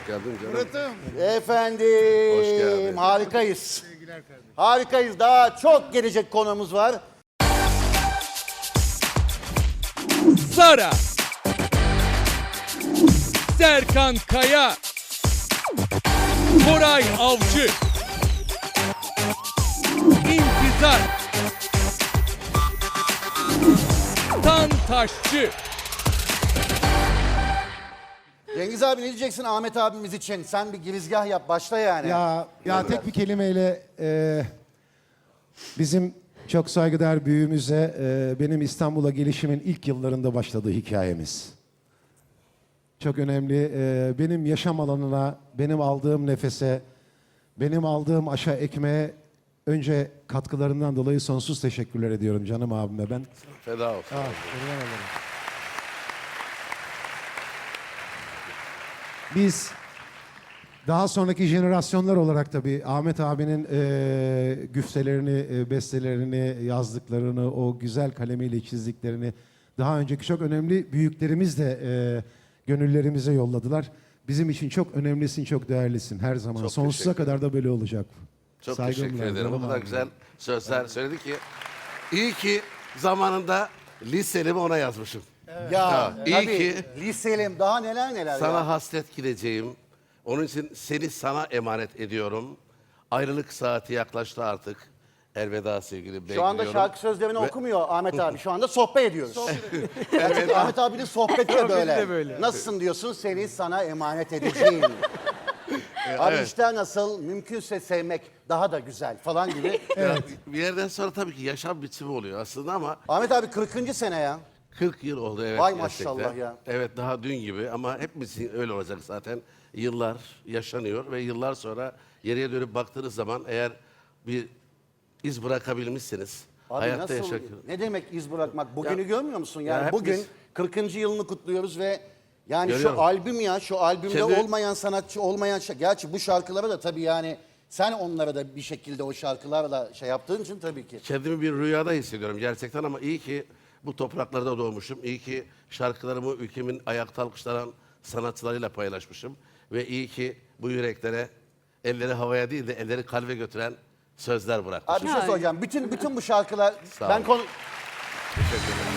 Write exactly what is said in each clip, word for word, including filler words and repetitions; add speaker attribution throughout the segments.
Speaker 1: geldin canım.
Speaker 2: Murat'ım.
Speaker 3: Efendim,
Speaker 1: Hoş geldin.
Speaker 3: harikayız.
Speaker 2: Sevgiler kardeşim.
Speaker 3: Harikayız. Daha çok gelecek konuğumuz var.
Speaker 4: Sara, Serkan Kaya, Koray Avcı, İntizar, Tan Taşçı.
Speaker 3: Cengiz abi ne diyeceksin Ahmet abimiz için? Sen bir girizgah yap, başla yani.
Speaker 5: Ya ya tek bir kelimeyle e, bizim çok saygıdeğer büyüğümüze e, benim İstanbul'a gelişimin ilk yıllarında başladığı hikayemiz. Çok önemli. E, benim yaşam alanına, benim aldığım nefese, benim aldığım aşa ekmeğe önce katkılarından dolayı sonsuz teşekkürler ediyorum canım abime ben.
Speaker 1: Feda olsun.
Speaker 5: Ah, kurban olurum. Biz daha sonraki jenerasyonlar olarak tabii Ahmet abinin e, güftelerini, e, bestelerini, yazdıklarını, o güzel kalemiyle çizdiklerini daha önceki çok önemli büyüklerimiz de e, gönüllerimize yolladılar. Bizim için çok önemlisin, çok değerlisin her zaman.
Speaker 1: Çok
Speaker 5: Sonsuza
Speaker 1: teşekkür
Speaker 5: kadar da böyle olacak.
Speaker 1: Çok
Speaker 5: Saygımla,
Speaker 1: teşekkür ederim. O
Speaker 5: canım
Speaker 1: kadar
Speaker 5: abim.
Speaker 1: güzel sözler söyledi ki. İyi ki zamanında liselimi ona yazmışım.
Speaker 3: Ya,
Speaker 1: iyi
Speaker 3: tabii,
Speaker 1: ki
Speaker 3: liselim daha neler neler
Speaker 1: sana
Speaker 3: ya.
Speaker 1: hasret gideceğim. Onun için seni sana emanet ediyorum. Ayrılık saati yaklaştı artık. Elveda sevgili.
Speaker 3: Şu anda şarkı sözlerini okumuyor Ahmet abi. Şu anda sohbet ediyoruz. Gerçekten Ahmet abinin sohbeti de böyle.
Speaker 2: böyle.
Speaker 3: Nasılsın diyorsun, seni sana emanet edeceğim. Abi
Speaker 1: evet.
Speaker 3: işte nasıl, mümkünse sevmek daha da güzel falan gibi.
Speaker 1: Bir yerden sonra tabii ki yaşam biçimi oluyor aslında ama
Speaker 3: Ahmet abi kırkıncı sene ya.
Speaker 1: kırk yıl oldu evet.
Speaker 3: Vay
Speaker 1: gerçekten.
Speaker 3: maşallah ya.
Speaker 1: Evet daha dün gibi ama hepimizin öyle olacak zaten. Yıllar yaşanıyor ve yıllar sonra geriye dönüp baktığınız zaman eğer bir iz bırakabilmişsiniz.
Speaker 3: Abi
Speaker 1: hayatta
Speaker 3: nasıl,
Speaker 1: yaşak.
Speaker 3: ne demek iz bırakmak? Bugünü
Speaker 1: Ya-
Speaker 3: görmüyor musun?
Speaker 1: Ya
Speaker 3: Yani
Speaker 1: hepimiz-
Speaker 3: bugün kırkıncı yılını kutluyoruz ve yani
Speaker 1: Görüyorum.
Speaker 3: şu albüm ya, şu albümde
Speaker 1: Kendi-
Speaker 3: olmayan sanatçı, olmayan şey. Gerçi bu şarkılara da tabii yani sen onlara da bir şekilde o şarkılarla şey yaptığın için tabii ki.
Speaker 1: Kendimi bir rüyada hissediyorum gerçekten ama iyi ki bu topraklarda doğmuşum. İyi ki şarkılarımı ülkemin ayakta alkışlanan sanatçılarıyla paylaşmışım. Ve iyi ki bu yüreklere elleri havaya değil de elleri kalbe götüren sözler bırakmışım.
Speaker 3: Abi bir şey soracağım. Bütün bütün bu şarkılar
Speaker 1: Sağ
Speaker 3: ben
Speaker 1: ol.
Speaker 3: konu
Speaker 1: Teşekkür ederim.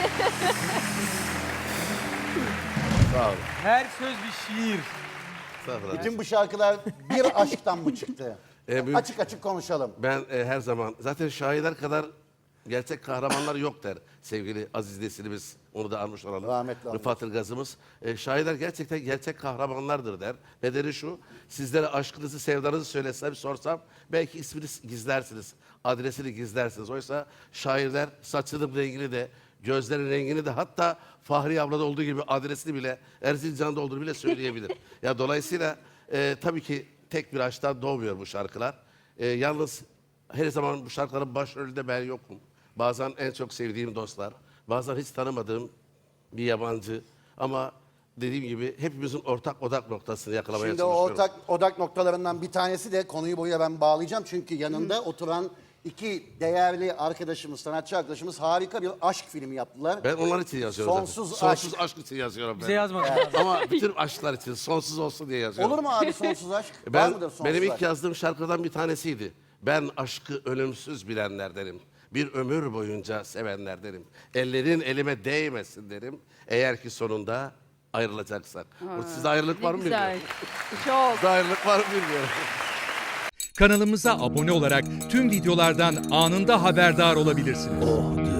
Speaker 1: Sağ olun.
Speaker 2: Her söz bir şiir.
Speaker 1: Estağfurullah.
Speaker 3: bütün bu şarkılar bir aşktan mı çıktı?
Speaker 1: E, büyük-
Speaker 3: Açık açık konuşalım.
Speaker 1: Ben e, her zaman zaten şairler kadar gerçek kahramanlar yok der sevgili Aziz Nesinimiz. Onu da almış olalım.
Speaker 3: Rahmetli almış.
Speaker 1: Rıfat Ilgaz'ımız. E, şairler gerçekten gerçek kahramanlardır der. Nedeni şu, sizlere aşkınızı, sevdanızı söylesem, sorsam belki ismini gizlersiniz, adresini gizlersiniz. Oysa şairler saçının rengini de, gözlerin rengini de hatta Fahri ablada olduğu gibi adresini bile, Erzincan'da olduğunu bile söyleyebilir. Ya dolayısıyla e, tabii ki tek bir aşktan doğmuyor bu şarkılar. E, yalnız her zaman bu şarkıların başrolünde ben yokum. Bazen en çok sevdiğim dostlar, bazen hiç tanımadığım bir yabancı. Ama dediğim gibi hepimizin ortak odak noktasını yakalamaya
Speaker 3: Şimdi o
Speaker 1: çalışıyorum.
Speaker 3: ortak odak noktalarından bir tanesi de konuyu buraya ben bağlayacağım. Çünkü yanında oturan iki değerli arkadaşımız, sanatçı arkadaşımız harika bir aşk filmi yaptılar.
Speaker 1: Ben onlar için yazıyorum
Speaker 3: Sonsuz
Speaker 1: zaten. Sonsuz
Speaker 3: aşk.
Speaker 1: aşk için yazıyorum ben.
Speaker 2: Bize yazmadın.
Speaker 1: Ama bütün aşklar için sonsuz olsun diye yazıyorum.
Speaker 3: Olur mu abi sonsuz aşk? Var
Speaker 1: Ben,
Speaker 3: mıdır sonsuz
Speaker 1: benim ilk
Speaker 3: aşk?
Speaker 1: yazdığım şarkıdan bir tanesiydi. Ben aşkı ölümsüz bilenlerdenim. Bir ömür boyunca sevenlerdenim. Ellerin elime değmesin derim. Eğer ki sonunda ayrılacaksak. Bu Sizde ayrılık var mı
Speaker 6: Güzel.
Speaker 1: bilmiyorum.
Speaker 6: Çok.
Speaker 1: Sizde ayrılık var mı bilmiyorum.
Speaker 4: Kanalımıza abone olarak tüm videolardan anında haberdar olabilirsiniz.
Speaker 7: Oh diyor.